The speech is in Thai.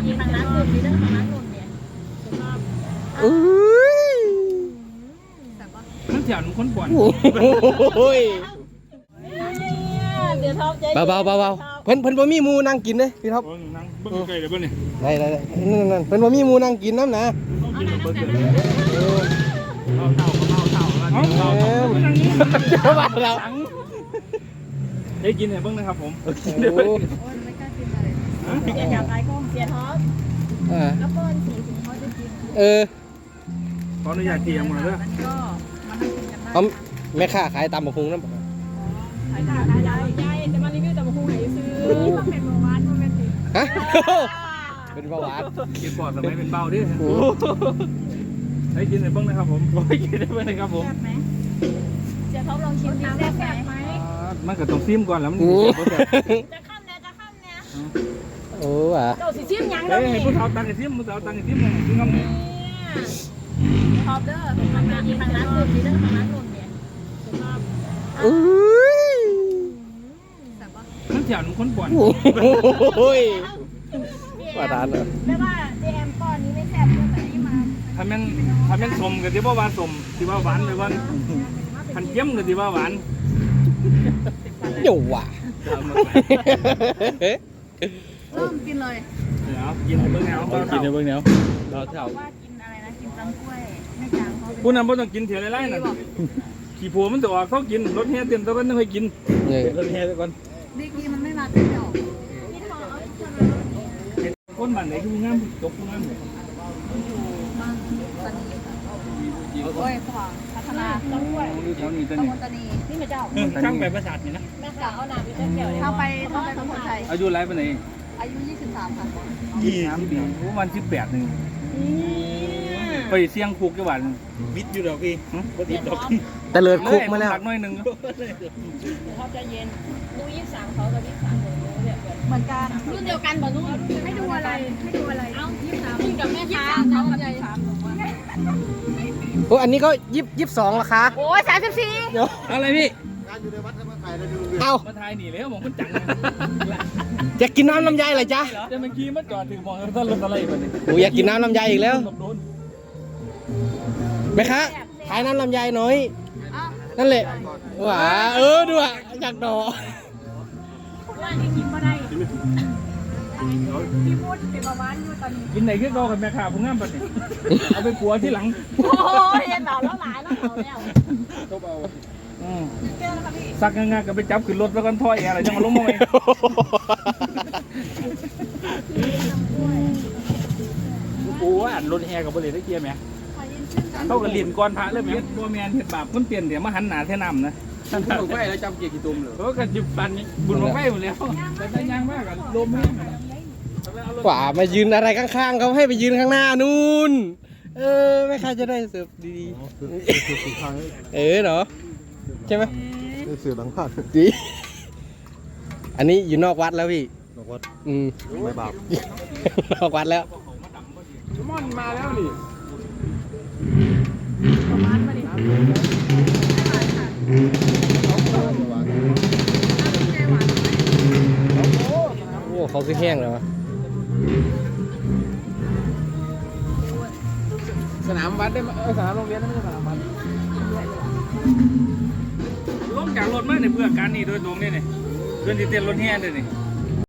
มีทางร้านนุ่นมีเรื่องทางร้านนุ่นเนี่ยนั่นเสียงคนป่วนเดี๋ยวท็อปใจเบาเพิ่นบ่มีหมูนั่งกินเด้พี่ท็อปนั่งเบิ่งไกลเลยเบิ่งนี่ได้นั่นเพิ่นบ่มีหมูนั่งกินน้ำนะเอาว่าเราได้กินเนี่ยเบิ่งนะครับผมเสียจากไอ้ก้มเสียท็อปแล้วเปิ้ลสีถึงเขาจะกินขออนุญาตเตรียมมาเลยก็มาให้กินกันได้เขาแม่ค้าขายตำบักหุ่งน้ำขายได้จะมารีวิวแต่มาคูไหนซื้อต้องเป็นเบาหวานต้องเป็นติฮะเป็นเบาหวานกินปอดทำไมเป็นเบาดิให้กินเนี่ยเบิ่งนะครับผมให้กินได้เบิ่งนะครับผมแซ่บไหมเสียท็อปลองชิมดิแซ่บไหมมันก็ต้องซิมก่อนแล้วมันจะข้ามเนี่ยโอ้ว่ะเจ้าสิซิมยังเลยให้ผู้สาวตังค์ซิมผู้สาวตังค์ซิมซิมน้ำเนี่ยท็อปเด้อทางร้านนุ่นมีเรื่องทางร้านนุ่นเนี่ยนั่นเสียงคนป่วนว่าทานเลยไม่ว่าเจมป้อนนี้ไม่แซ่บเรื่องแบบนี้มาถ้าแม่นสมกับที่ว่าหวานสมที่ว่าหวานเลยว่าขันเจียมกับที่ว่าหวานอยู่ว่ะเริ่มกินเลยเดี๋ยวกินเบื้องแนวกินในเบื้องแนวเราเท่าว่ากินอะไรนะกินตำกล้วยไม่จางเขาผู้นำบ่ต้องกินเถียวไล่ๆน่ะขี่ผัวมันจะออกเขากินรถแห่เต็มตะวันต้องให้กินรถแห่ตะวันดีกีมันไม่มาเต็มดอกคนบ้านไหนคือมึงงามตกมึงงามเลยโอ้ยขวางพัฒนาต้นกล้วยแถวนี้ตะนี่นี่มาเจ้าช่างแบบประสาทนี่นะแม่สาวเอาหนาไปเจ้าเกี่ยวเข้าไปสมุทรไทยอายุไรปานไหนอายุ23ค่ะ 23ปีวัน18นึงไปเสี่ยงคุกจังหวัดวิทย์อยู่ดอกพี่บ่ติดดอกแต่เลิศคุกมาแล้วหน่อยนึงเขาจะเย็นดู23เขากับ23เหมือนกันรุ่นเดียวกันบ่รุ่นให้ดูอะไรเอ้า23รุ่นกับแม่ค้าเขากับโอ้อันนี้ก็22ราคาโอ้ย34 อะไรพี่เอามาทายหนีแล้วมองมันจังจะกินน้ำลำไยเหรอจ๊ะจะเมื่อกี้มันจอดถึงมองต้นรถอะไรแบบนี้โอ้อยากกินน้ำลำไยอีกแล้วไหมคะขายน้ำลำไยหน่อยนั่นแหละว้าดูอ่ะอยากดอว่าจะกินมาได้พี่พูดเป็นประมาณอยู่ตอนนี้กินไหนก็กันแม่ค้าผมงามแบบนี้เอาไปปัวที่หลังโอ้ยเห็นหล่อแล้วหลายแล้วแล้วก็เบาสักงานก็ไปจับขึ้นรถแล้วกันถ้อยอะไรจะมาล้มมาไหมกูว่าอันรถแฮกับบริเวณได้เกียร์ไหมเขาก็เรียนก่อนพระเลยไหมบัวแมนเห็ดบาปคนเปลี่ยนเดี๋ยวมาหันหนาเท่น้ำนะบุญหลงไฟแล้วจำเกียร์กี่ตุ่มเลยก็กันจุดปันบุญหลงไฟหมดแล้วแต่ได้ยังมากกันลมแห้งกว่ามายืนอะไรข้างๆเขาให้ไปยืนข้างหน้านู่นไม่ค่าจะได้เสิร์ฟดีๆเนาะใช่ไหมเสือหลังผ่านดีอันนี้อยู่นอกวัดแล้วพี่นอกวัดไม่บาปนอกวัดแล้วม่อนมาแล้วนี่ประมาณมาดิโอ้เขาคือแห้งเลยวะสนามวัดได้ไหมสนามโรงเรียนไม่ใช่สนามวัดลงจากรถมาในเพื่อการนี่โดยตรงนี่เพื่อนที่เต้นรถแห่เลยนี่